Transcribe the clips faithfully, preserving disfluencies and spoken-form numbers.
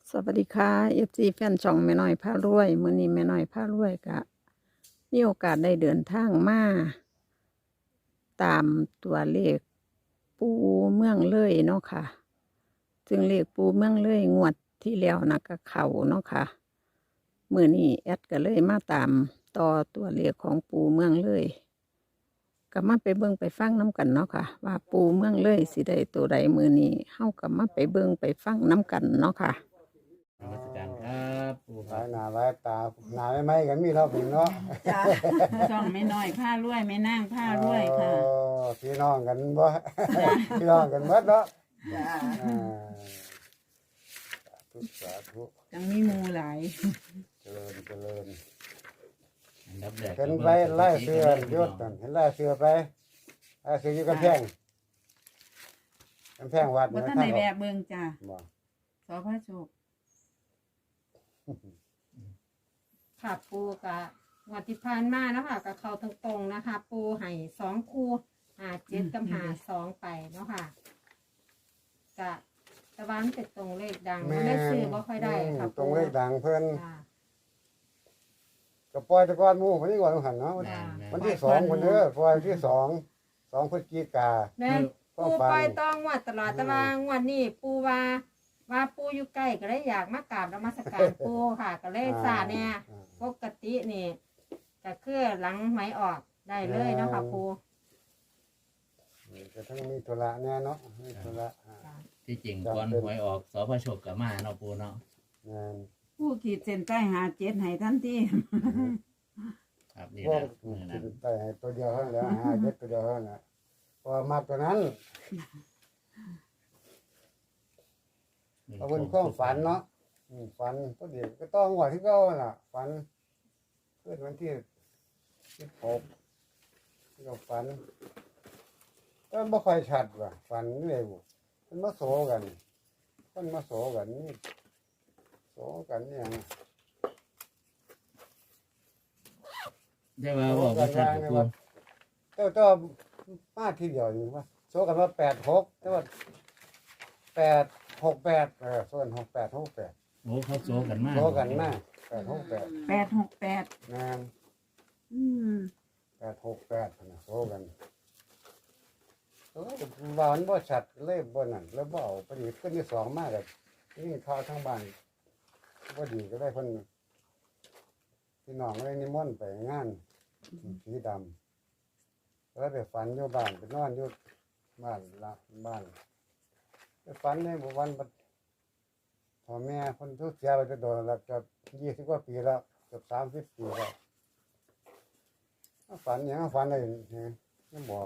สวัสดีค่ะเอฟซีแฟนช่องแม่น้อยพารวยมื้อนี้แม่น้อยพารวยกะมีโอกาสได้เดินทางมาตามตัวเลขปูเมืองเลยเนาะค่ะซึ่งเลขปูเมืองเลยงวดที่แล้วนะก็เข้าเนาะค่ะมื้อนี้แอดก็เลยมาตามต่อตัวเลขของปูเมืองเลยก็มาไปเบิ่งไปฟังน้กันเนาะค่ะว่าปูเมืองเลยสิได้ตัวใดมื้อนี้เฮาก็มาไปเบิ่งไปฟังน้กันเนาะค่ะนมัสการครับปู่หลาครับยหน้าหลายตาหน้าไม่ไหมกันมีเราเป็นเนาะจ้าช่องแม่น้อยผ้ารวยแม่นางผ้ารวยค่ะโอ้พี่น้องกันบ่ พี่น้องกันหมดเนาะจ้าอ่าสาธุสาธุจังมีหมูหลายเจริญเจริญอันดับแรกเห็นไปไล่เสือยุดกันเห็นไล่เสือไปไล่เสืออยู่กำแพงกำแพงวัดบ่ทันได้แวะเบิ่งจ้าบ่สอพระโชคค่ะปูกะงวดที่ผ่านมาเนาะค่ะกับเขาตรงๆนะคะ ปูให้สองคู่หาเจ็ดกับหาสองไปเนาะค่ะกะตะวันเป็ดตรงเลขดังไม่ได้ซื้อบ่ค่อยได้ค่ะตรงเลขดังเพิ่นค่ะก็ปล่อยแตะกอนหมู่คนนี้ก่อนหันเนาะแม่นแม่นวันที่สองคนเด้อปล่อยวันที่สองสองพฤศจิกาแม่นก็ปูฟังปล่อยต้องงวดตลอดแต่ว่างวดนี้ปูว่าว่าปูอยู่ใกล้ก็เลยอยากมากราบนมัสการปูค่ะ ก็เลยสาเนี่ยปกตินี่ก็คือหลังไหมออกได้เลยเนาะค่ะปูจะทั้งมีธุระแน่เนาะมีธุระอ่าที่จริงก่อนหวยออกสพโชคกับมาเนาะปู่เนาะงานผู้ขีดเส้นใต้หาเจ็ดให้ทันทีครับนี่พวนะกมือกินั้นนแต่ให้ตัวเดียวเท่านั้นแหล้วหาเจ็ดตัวเดียวเท่านั้นแหละพอมากตัวนั้นเอาเป็นความฝันเนาะอืมฝันตัวเดียวก็ต้องว่าที่เก้าน่ะฝันเพื่อนวันที่ที่หกที่เราฝันก็ไม่ค่อยชัดว่ะฝันเร็วมันมาโสกันมันมาโสกันนี่โสกันเนี่ยงได้ว่าบอกว่าชัดกับปู่เจ้าเจ้ามาทีเดียวอยู่ว่าโซกันว่าแปดหกแต่ว่าแปดหกแปดเออส่วนหกแปดหกแปดโอ้เขาโซกันมากโซกันมาแปดหกแปดแปดหกแปดงานอืมแปดหกแปดนะโซกันเออวานบ่ชัดเลยบ่นั่นแล้วบ่เอาพอดีขึ้นที่สองมากเลยยิ่งเข้าวทั้งบ้านบ่ดีก็ได้คนพี่น้องเลยนิมนต์ไปงานสีดำแล้วไปฝันอยู่บ้านไปนอนอยู่บ้านละบ้าน ไปฝันในบุวันบัดพ่อแม่คนทุกเสียไปจะโดนแล้วเกือบยี่สิบกว่าปีแล้วเกือบสามสิบปีแล้วฝันอย่างนั้นฝันอะไรเนี่ยไม่บอก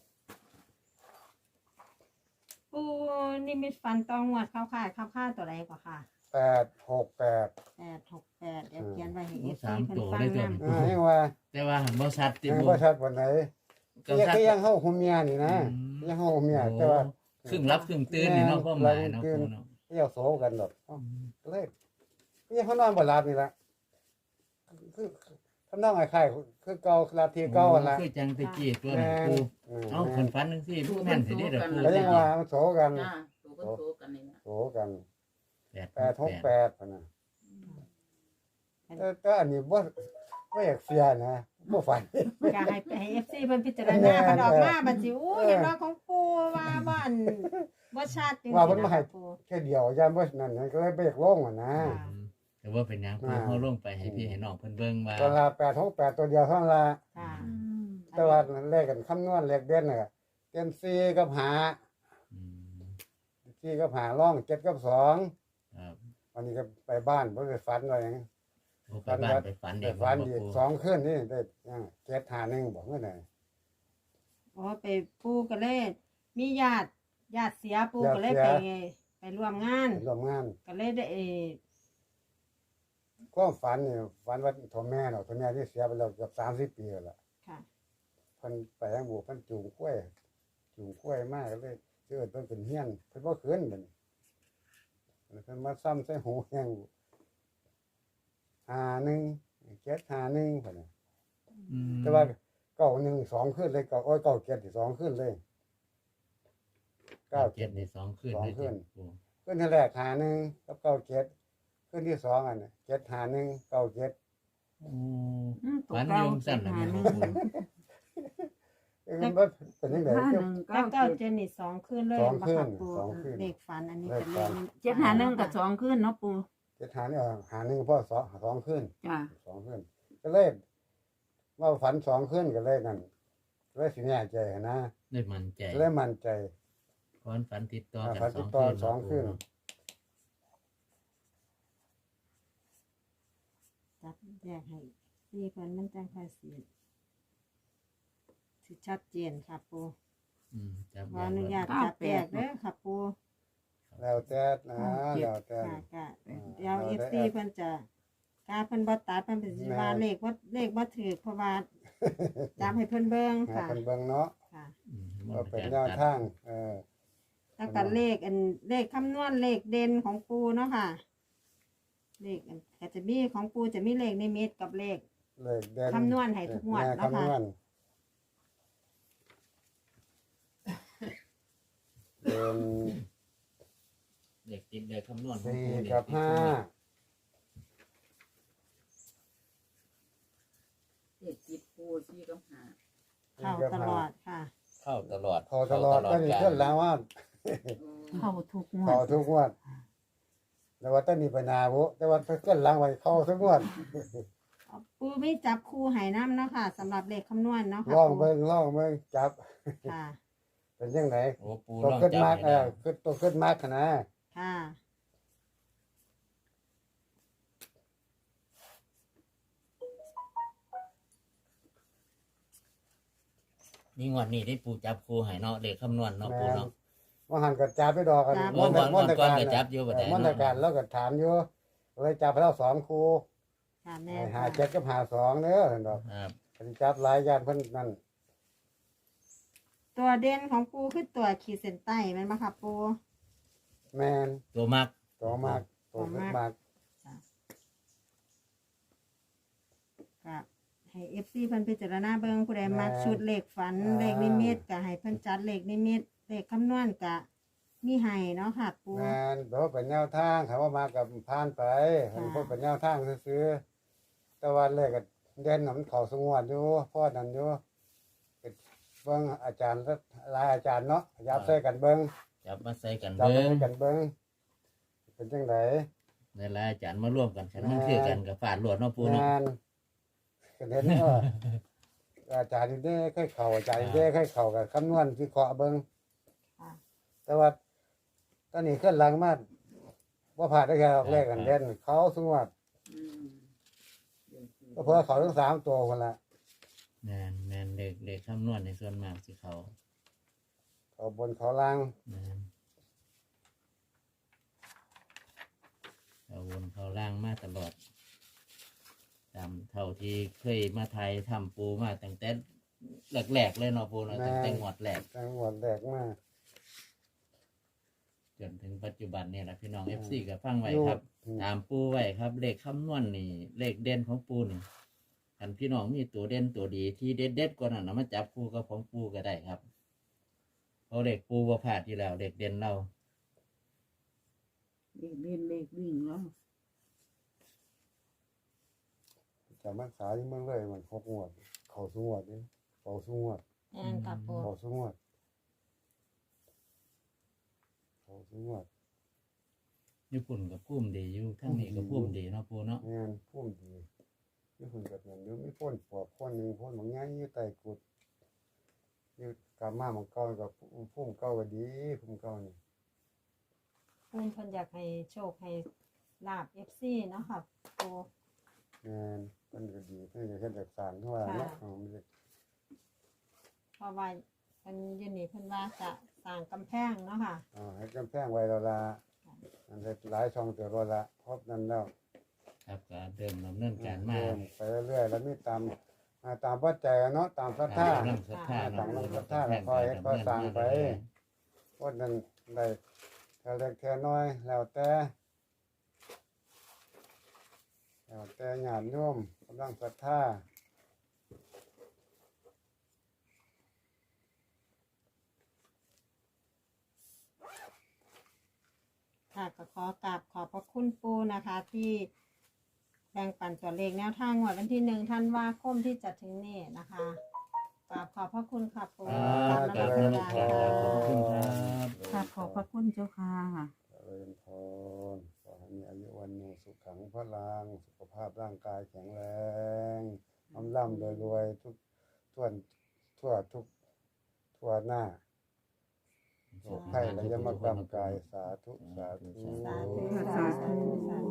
ปูนิมิตฟันตองงวดเข้าค่ายเข้าค่าตัวใดกว่าค่ะแปดหกแปดแปดหกแปดเดี๋ยวเขียนไว้ให้เอฟสาซีมเพิ่นตัวฟังได้ตัวนำอ่ายังว่าแต่ว่าหันบ่ชัดติยังปู่บ่ชัดวันไหนก็ยังชัดก็ยังเข้าหุมเมียนี่นะอืมยังเข้าหุมเมียแต่ว่าครึ่งรับครึ่งตื่นนี่เนาะก็หมายเนาะปู่เนาะเที่ยวโสกันดอกเอ้าเลยก็ยังเขานอนบ่หลับนี่ละคือทำนองไอ้ไข่คือเก่าลาทีเก่าหั่นละคือจังตะกี้ตัวแม่นั้นปู่อืมเอาคันฝันจังซี่ผู้แม่นสิได้เด้อปู่แล้วยังว่ามันโสกันจ้าตัวก็โตกันนี่นะโสกันแปดแปดหกแปดพะนะอืมแต่แต่อันนี้บ่บ่อยากเสียนะบ่ฝันอยากให้ให้เอฟซีเพิ่นพิจารณาคันออกมาบัดสิอู้เห็นว่าของปูว่าบ่อันบ่ชัดจริงๆว่าเพิ่นมาให้นะคะปูแค่เดียวย่านบ่นั่นนั่นก็เลยบ่อยากลงอ่ะนะค่ะอืมแต่ว่าเป็นหยังปู่เขาลงไปให้พี่ให้น้องเพิ่นเบิ่งว่าตอนละแปดหกแปดตัวเดียวเท่านั้นละค่ะแต่ว่าเลขกันคำนวณเลขเด่นน่ะเด่นสี่กับหาอืมสี่กับหาร่องเจ็ดกับสองครับวันนี้ก็ไปบ้านบ่ได้ฝันว่าหยังโอ้ไปบ้านไปฝันไปเด็กฝันบ่อีกปู่สองคืนนี่ได้ยังเจ็ดหาหนึ่งบอกว่าไหนอ๋อไปปูก็เลยมีญาติญาติเสียปูก็เลยไปไปร่วมงานรวมงานก็เลยได้เอ่อความฝันนี่ฝันว่าพ่อแม่เนาะพ่อแม่ที่เสียไปแล้วเกือบสามสิบปีแล้วล่ะค่ะเพิ่นไปทางบูเพิ่นจูงกล้วยจูงกล้วยมากก็เลยเกิดเพิ่นเป็นเฮียนเพิ่นบ่คืนเพิ่นเพิ่นมาซ้ำใส่หูแห้งหาหนึ่งเจ็ดหาหนึ่งเพิ่นน่ะอืมแต่ว่าเก้าหนึ่งสองขึ้นเลยเก้าโอ้ยเก้าเจ็ดสองขึ้นเลยเก้าเจ็เจ็ดดในสองคืนสองได้คืนปู่ขึ้นที่แรกหาหนึ่งกับเก้าเจ็ดขึ้นที่สองอันน่ะเจ็ดหาหนึ่งเก้าเจ็ดโอ้อืมตัวฝันเก่าโยงสั้นเจ็นะดแม่หาหนึ่งเอ้ยมันบ่เป็นยังไงห้าหนึ่งแล้เก้าวเก้าเจ็ดเจนนี่สองคืนเลยสองบ่คืนค่ะปูสองคืนเลขฝันอันนี้เป็นเลขเจ็ดหาหนึ่งกับสองขึ้นเนาะปูเจ็ดหานี่เอาหาหนึ่งพ่อสองสองขึ้นจ้าสองขึ้นก็เลยว่าฝันสองขึ้นก็เลยนั่นเลยสิแน่ใจนะได้มั่นใจเลยมั่นใจเพราะฝันติดต่ออ่ากันฝันสติอดงต่อคืนสองคืนเนาะจับแยกให้สี่เพิ่นมันจังค่อยสิสิชัดเจนค่ะปูอืมจับขออนุญาตจับแยกเด้อค่ะปูแล้วแต่นะแล้วแต่ค่ะก็เดี๋ยว เอฟ ซี เพิ่นจะกาเพิ่นบ่ตัดเพิ่นเป็นสิว่าเลขว่าเลขบ่ถูกเพราะว่าจับให้เพิ่นเบิ่งให้ค่ะคนเบิ่งเนาะค่ะอืมว่าเป็นแนวทางเออแล้วก็เลขอันเลขคำนวณเลขเด่นของปูเนาะค่ะ เลขอันก็จะมีของปูจะมีเลขนิมิตกับเลขเลขเด่นคำนวณให้ทุกงวดแม่เนาะค่ะคำนวณเป็นเด็กติดเด็กคำนวณของสี่ปู่เด็กับติดห้าเด็กติดปูซี่กับหาเข้าตลอดค่ะเข้าตลอดเขาตลอดก็นี่ขึ้นแล้วว่าเข้าทุกงวเขาดทุกงวดแต่ว่าต้นนี้ปัญหาบุแต่ว่าขึ้นหลังไว้เข้าทุกงวดปูไม่จับคู่ให้น้ำเนาะค่ะสำหรับเลขคำนวณเนาะค่ะล่องปูเบิ่งล่องเบิ่งจับค่ะเป็นยังไงโอ้ปูตัวลองขึ้นจับมากให้เอได้อขึ้นตัวขึ้นมากขนาดค่ะนี่งวดนี้ได้ปูจับครูให้เนาะเด็กคำนวณเนาะปูเนาะว่าหันกับจับไปดอกกันโอ้ก่อนมนตก่อนการก็จับอยู่บัดนี้มนตการแล้วก็ถามอยู่เลยจับไปแล้วสองครูค่ะแม่หาค่ะเจ็ดกับหาสองเด้อเห็นดอกครับเพิ่นจับหลายอย่างเพิ่นนั่นตัวเด่นของปูคือตัวขีดเส้นใต้แมันบ่ค่ะปูแมนตัวมักตัวมากตัวขึ้นมากก็ให้ เอฟ ซี เพิ่นพิจารณาเบิ่งผู้ใดมักชุดเลขฝันเลขนิมิตก็ให้เพิ่นจัดเลขนิมิตเลขคำนวณก็มีให้เนาะค่ะปูแมนเพราะเป็นแนวทางเขาว่ามากับผ่านไปเห็นค่ะพวกเป็นแนวทางซื้อๆแต่ว่าเลขก็เด่นน่ะมันเข้าสงวดอยู่พ่อนั่นอยู่เบิ่งอาจารย์หลายอาจารย์เนาะยับใส่กันเบิ่งจับมาใส่กันจับเบิ้งใส่กันเบิ่งเป็นจังไดในรายอาจารย์มาร่วมกันขันมันคือกันกับฝาดหลวดเนาะปูเนาะงานก็เห็นว่าอาจารย์นี่ได้ค่อยเข้าอาจารย์นี่ได้ค่อยเข้ากับคำนวณวิเคราะห์เบิ่งค่ะแต่ว่าตอนนี้ขึ้นหลังมาว่าผ่านได้แค่ออกเลขกันเด่นเขาสงวดอืมเด็กติดก็เพื่อเขาทั้งสามตัวคนละแมนแมนเด็กเด็กคำนวณในส่วนมากสิเขาเขาบนเขาล่างแมนเขาวนเขาล่างมาตลอดตามเท่าที่เคยมาไทยทำปูมาตั้งแต่แรกๆเลยเนาะปูเนาะตั้งแต่งวดแรกจังหวดแรกมากจนถึงปัจจุบันเนี่ยนะพี่น้องเอฟซีก็ฟังไว้อยู่ครับอืมตามปูไว้ครับ เลขคำนวณนี่ เลขเด่นของปูนี่อันพี่น้องมีตัวเด่นตัวดีที่เด็ดเด็ดๆกว่านั้นนะมาจับคู่กับของปูก็ได้ครับเพราะเลขปูว่าพลาดอยู่แล้วเลขเด่นเราเลขเล่นเลขวิ่งแล้วจะมาขายที่เมืองเลยมันหกงวด เขาสงวดนี่เขาสงวดแม่นค่ะปูเขาสงวดเขาสงวดญี่ปุ่นกับพุ่มดีอยู่ทั้งนี้กับพุ่มดีเนาะปูเนาะงานพุ่มดีนี่คุณกับเงินเดี๋ยวมีพ่นปอบพ่นหนึ่งพ่นบางอย่างอยู่ใต้กุดอยู่กามาของเก่ากับพุ่มเก่าก็ดีพุ่มเก่านี่ปูเพิ่นอยากให้โชคให้ลาบ เอฟ ซี เนาะค่ะปูงานมันก็ดีเพื่อจะเฮ็ดจากสารเท่าไหร่เนาะอ๋อมันจะเพราะว่าเพิ่นอยืนนี่เพิ่นว่าจะสร้างกำแพงเนาะค่ะอ๋อให้กำแพงไว้แล้วละอันเฮ็ดหลายช่องเตือรถละครบนั้นแล้วครับก็เดิมดำเนินการมาเริ่ไปเรื่อยๆแล้วมีตามอ่าตามปัจจัยเนาะตามศรัทธาตามน้ำศรัทธาตามเนาะน้ำศรัทธาแล้วค่อยค่อยสร้างไปพวกนั้นได้เท่าเล็กเท่าน้อยแล้วแต่แล้วแต่ญาติโยมกำลังศรัทธาค่ะก็ขอกราบขอบพระคุณปูนะคะ ที่แบ่งปันตัวเลขแนวทางงวดวันที่หนึ่งธันวาคมที่จะถึงนี้นะคะกราบขอบพระคุณค่ะปูครับกราบนมัสการขอบคุณคค่ะรับค่ะขอบพระคุณเจ้าค่ะเจริญพรขอให้มีอายุวันโนสุขังพลังสุขภาพร่างกายแข็งแรงอำล่ำรวยๆทุกทั่วทั่วทุกทั่วหน้าโรคไข้และยมกรรมกายสาธุสาธุสาธุสาสาธุธุสาธุ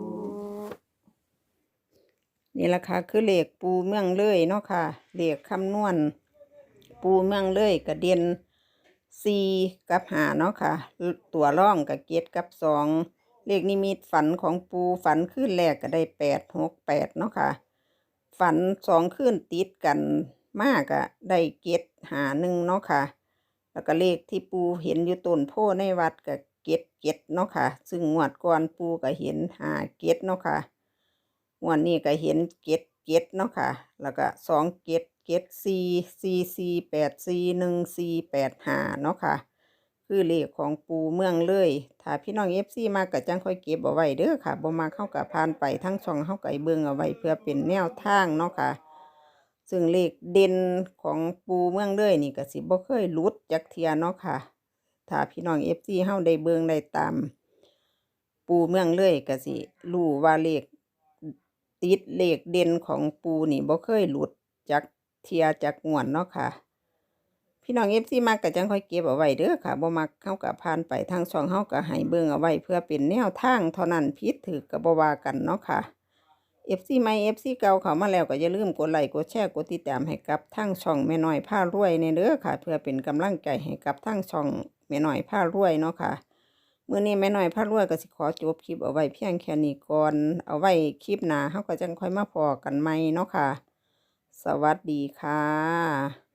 นี่แหละค่ะคือเลขปูเมืองเลยเนาะค่ะเลขคำนวณปูเมืองเลยกับเด่นสี่กับหาเนาะค่ะตัวร่องกับเกตกับสองเลขนิมิตฝันของปูฝันขึ้นแรกก็ได้แปดหกแปดเนาะค่ะฝันสองขึ้นติดกันมากอะได้เกตหาหนึ่งเนาะค่ะแล้วก็เลขที่ปูเห็นอยู่ต้นโพในวัดกับเกตเกตเนาะค่ะซึ่งงวดก่อนปูก็เห็นหาเกตเนาะค่ะ วันนี้ก็เห็นเก็ดเก็ดเนาะค่ะ แล้วก็สองเก็ดเก็ดสี่สี่สี่แปดสี่หนึ่งสี่แปดห้าเนาะค่ะ คือเลขของปูเมืองเลย ถ้าพี่น้องเอฟซีมากก็จังค่อยเก็บเอาไว้เด้อค่ะบ่มาเข้ากับผ่านไปทั้งช่องเข้าไก่เบิ่งเอาไว้เพื่อเป็นแนวทางเนาะค่ะ ซึ่งเลขเด่นของปูเมืองเลยนี่ก็สิบ่เคยหลุดจักเทียเนาะค่ะ ถ้าพี่น้องเอฟซีเฮาได้เบิ่งได้ตาม ปูเมืองเลยก็สิรู้ว่าเลข ติดเลขเด่นของปูนี่บ่เคยหลุดจากเทียจากงวนเนาะค่ะ พี่น้องเอฟซีมักก็จังค่อยเก็บเอาไว้เด้อค่ะบ่มักเฮาก็ผ่านไปทางช่องเฮาก็ให้เบิ่งเอาไว้เพื่อเป็นแนวทางเท่านั้นผิดถูกก็บ่ว่ากันเนาะค่ะ เอฟ ซี ใหม่ เอฟ ซี เก่าเข้ามาแล้วก็อย่าลืมกดไลค์กดแชร์กดติดตามให้กับทางช่องแม่น้อยพารวยในเด้อค่ะ เพื่อเป็นกำลังใจให้กับทางช่องแม่น้อยพารวยเนาะค่ะมื้อนี้แม่น้อยพารวยก็สิขอจบคลิปเอาไว้เพียงแค่นี้ก่อนเอาไว้คลิปหน้าเฮาก็จังค่อยมาพอกันใหม่เนาะค่ะ สวัสดีค่ะ